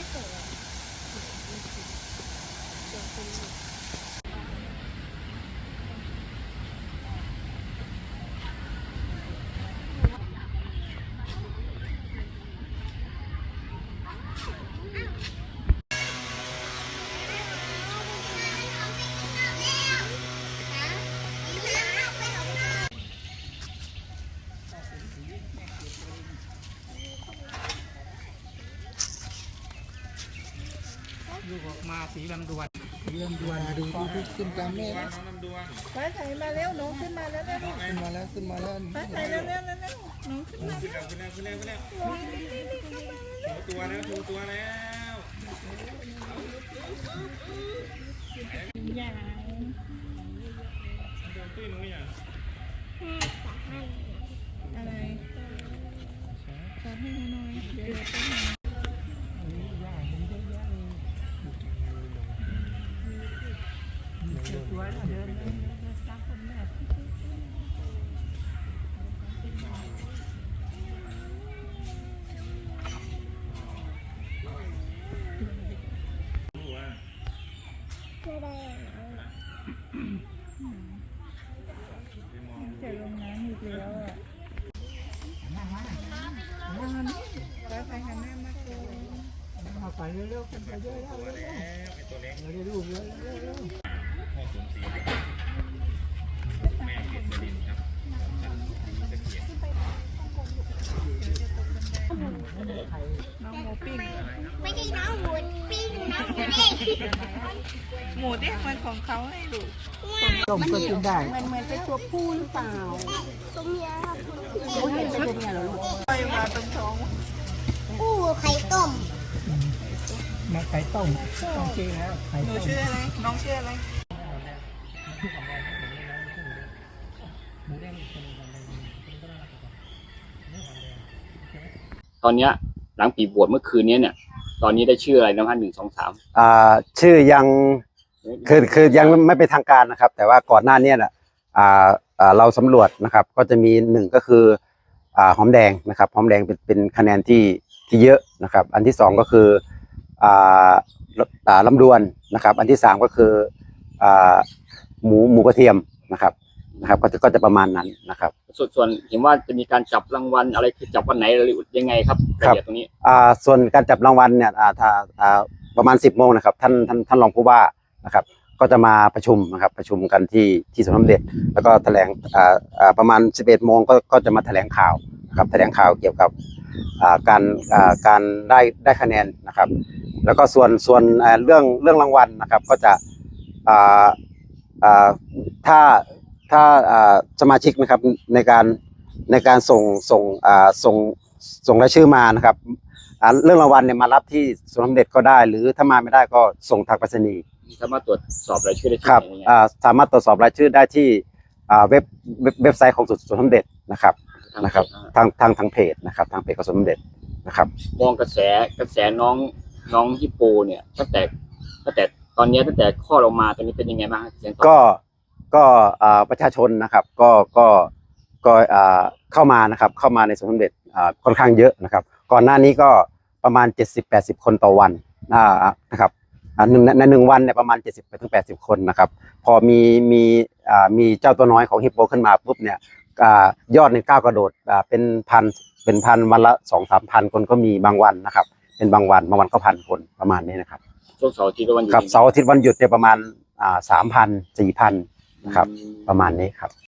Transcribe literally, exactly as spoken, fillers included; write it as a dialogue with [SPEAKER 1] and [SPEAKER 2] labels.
[SPEAKER 1] ลูกออกมาสีลำดวนสีลำดวนดูดูดูขึ้นตามแม่น้องลำดวน
[SPEAKER 2] ฟ้าใสมาแล้วน้องขึ้นมาแล้วแล้ว
[SPEAKER 1] ขึ้นมาแล้วขึ้นมาแล้ว
[SPEAKER 2] ฟ้าใสแล้วแล้วแล้วน้องขึ้นมา
[SPEAKER 1] ขึ้นแล้วขึ้นแล้วขึ้นแล้วขึ้นแล้วโชว์ตัวแล้วโชว์ตัวแล้ว
[SPEAKER 2] อย่าง
[SPEAKER 1] ตุ้ยหนูอย่าง
[SPEAKER 2] อะไรขอให้หน่อยเดี๋ยวจะหาตัวเดินเดินซักคนแบบจะลงน้ำอีกแล้วอ่ะฟ้าใสหันหน้ามาโกง
[SPEAKER 1] มาไปเร็วๆกันไปเยอะๆแล้วไอ้ตัวเล็กเราได้รูปเยอะๆพ่อสมศรีแม่เกศรินครับ
[SPEAKER 2] น้องหมูปิ้ง
[SPEAKER 3] ไม่ใช่น้องหมูปิ้งน้องหมูเด้ง
[SPEAKER 2] หมูเด้งมันของเขาให้ดู
[SPEAKER 1] ต้มก็กินได้
[SPEAKER 2] มันเหมือนเป็นตัวผู้หรือเปล่า
[SPEAKER 3] ตัวเมียครับ
[SPEAKER 2] เขาเห็นเป็นตัวเมียเหรอลูกไปมาตรงท้อง
[SPEAKER 3] ผู้ไข่ต้ม
[SPEAKER 1] มาไข่ต้มต้องกินแล้วไข่
[SPEAKER 2] หนู
[SPEAKER 1] ต้ม
[SPEAKER 2] ชื่ออะไรน้องชื่ออะไร
[SPEAKER 4] ตอนเนี้ยหลังปีบวชเมื่อคืนนี้เนี่ยตอนนี้ได้ชื่ออะไรนะฮะหนึ่งสองสาม
[SPEAKER 5] อ่าชื่อยังคือคือยังไม่เป็นทางการนะครับแต่ว่าก่อนหน้านี้น่ะอ่าอ่าเราสำรวจนะครับก็จะมีหนึ่งก็คืออ่าหอมแดงนะครับหอมแดงเป็นเป็นคะแนนที่ที่เยอะนะครับอันที่สองก็คืออ่าอ่าลำดวนนะครับอันที่สามก็คืออ่าหมูหมูกระเทียมนะครับนะครับก็จะก็จะประมาณนั้นนะครับ
[SPEAKER 4] ส่วนส่วนเห็นว่าจะมีการจับรางวัลอะไรคือจับวันไหนหรือยังไงครับรายละเอียดตรงนี้
[SPEAKER 5] อ่าส่วนการจับรางวัลเนี่ยอ่าถ้าอ่าประมาณสิบโมงนะครับท่านท่านท่านรองผู้ว่านะครับก็จะมาประชุมนะครับประชุมกันที่ที่สวนสมเด็จแล้วก็แถลงอ่าอ่าประมาณสิบเอ็ดโมงก็ก็จะมาแถลงข่าวนะครับแถลงข่าวเกี่ยวกับอ่าการอ่าการได้ได้คะแนนนะครับแล้วก็ส่วนส่วนอ่าเรื่องเรื่องรางวัลนะครับก็จะอ่าอ่าถ้าถ้าอ่าสมาชิกนะครับในการในการส่งส่งอ่าส่งส่งรายชื่อมานะครับอ่าเรื่องรางวัลเนี่ยมารับที่สวนสมเด็จก็ได้หรือถ้ามาไม่ได้ก็ส่งทางไปรษณีย์
[SPEAKER 4] สามารถตรวจสอบรายชื่อได้ที่
[SPEAKER 5] ครับอ่าสามารถตรวจสอบรายชื่อได้ที่อ่าเว็บเว็บไซต์ของสวนสมเด็จนะครับนะครับทางทางทางเพจนะครับทางเพจของสวนสมเด็จนะครับ
[SPEAKER 4] มองกระแสกระแสน้องน้องฮิปโปเนี่ยตั้งแต่ตั้งแต่ตอนนี้ตั้งแต่ข้อลงมาตอนนี้เป็นยังไงบ้าง
[SPEAKER 5] ก็ก็อ่าประชาชนนะครับก็ก็ก็อ่าเข้ามานะครับเข้ามาในสวนสมเด็จอ่าค่อนข้างเยอะนะครับก่อนหน้านี้ก็ประมาณเจ็ดสิบ แปดสิบคนต่อวันอ่านะครับอ่าหนึ่งในหนึ่งวันเนี่ยประมาณเจ็ดสิบไปถึงแปดสิบคนนะครับพอมีมีอ่ามีเจ้าตัวน้อยของฮิปโปขึ้นมาปุ๊บเนี่ยอ่ายอดในก้าวกระโดดอ่าเป็นพันเป็นพันวันละสองสามพันคนก็มีบางวันนะครับเป็นบางวันบางวันก็พันคนประมาณนี้นะครับ
[SPEAKER 4] ช่วงเสาร์อาทิตย์วันหยุด
[SPEAKER 5] ครับเสาร์อาทิตย์วันหยุดเนี่ยประมาณอ่าสามพันสี่พันนะครับประมาณนี้ครับ